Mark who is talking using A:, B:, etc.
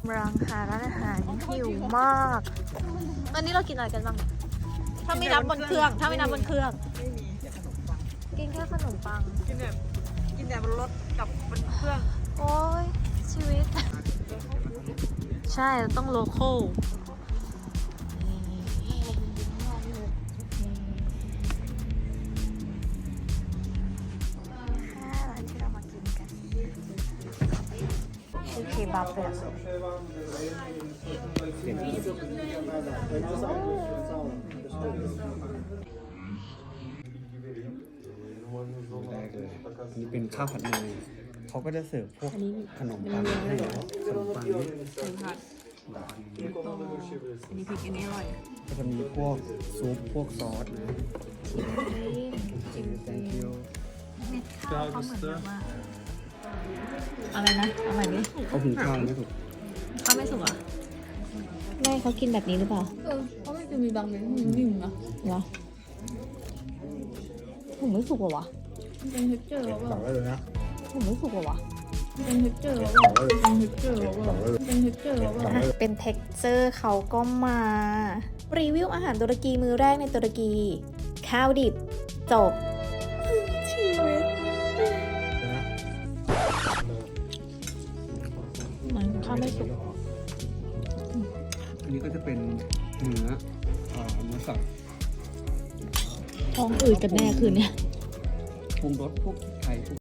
A: รังหาร้านอาหารหิวมากตอนนี้เรากินอะไรกันบ้างถ้าไม่นับบนเครื่องไม่มีแต่ขนมปังกินแค่ขนมปัง
B: กินแต่บนรถกับบนเครื่อง
A: โอ้ยชีวิต ใช่เราต้องโลคอลร้านที่เรามากินกันคือเคบับเลยอะ
C: แรกเลยอันนี้เป็นข้าวผัดเนยเขาก็จะเสิร์ฟพวกขนมปังให้เนาะขนมปังนี่
B: ผัดอันนี้พริกอันนี้อร่อย
C: ก็จะมีพวกซุปพวกซอสนะ thank you
A: เม็ดข้าวเขาเหมือนแบบว่า
B: อะไรนะเอาใหม่ดิ
C: เขาหุงข้าวไม่ถูก
B: ข้าวไม่สุกอ่ะ
A: ไม่เขากินแบบนี้หรือเปล่า
B: เพราะมันจะมีบางเม็ดมันนิ่มนะ
A: เหรอผมไม่สุกเหรอวะ
B: มันเป็นเท็กเจอร์แล้ว
C: สั่งได้เลยนะ
A: ผมไม่สุกเหรอวะ
B: มันเป็นเท็กเจอร์แล้วเป็นเท็กเจอร์แล้วเป็นเท็กเจอร์แล้ว
A: เป็นเท็กเจอร์เขาก็มา รีวิวอาหารตุรกีมื้อแรกในตุรกี ข้าวดิบ จบ ชีวิตเหมือนข้าวไม่สุก
C: อันนี้ก็จะเป็นเนื้อสับ
A: ท้องอืดกันแน่คืนเนี้ย
C: ปรุงรสพวกไทยพวก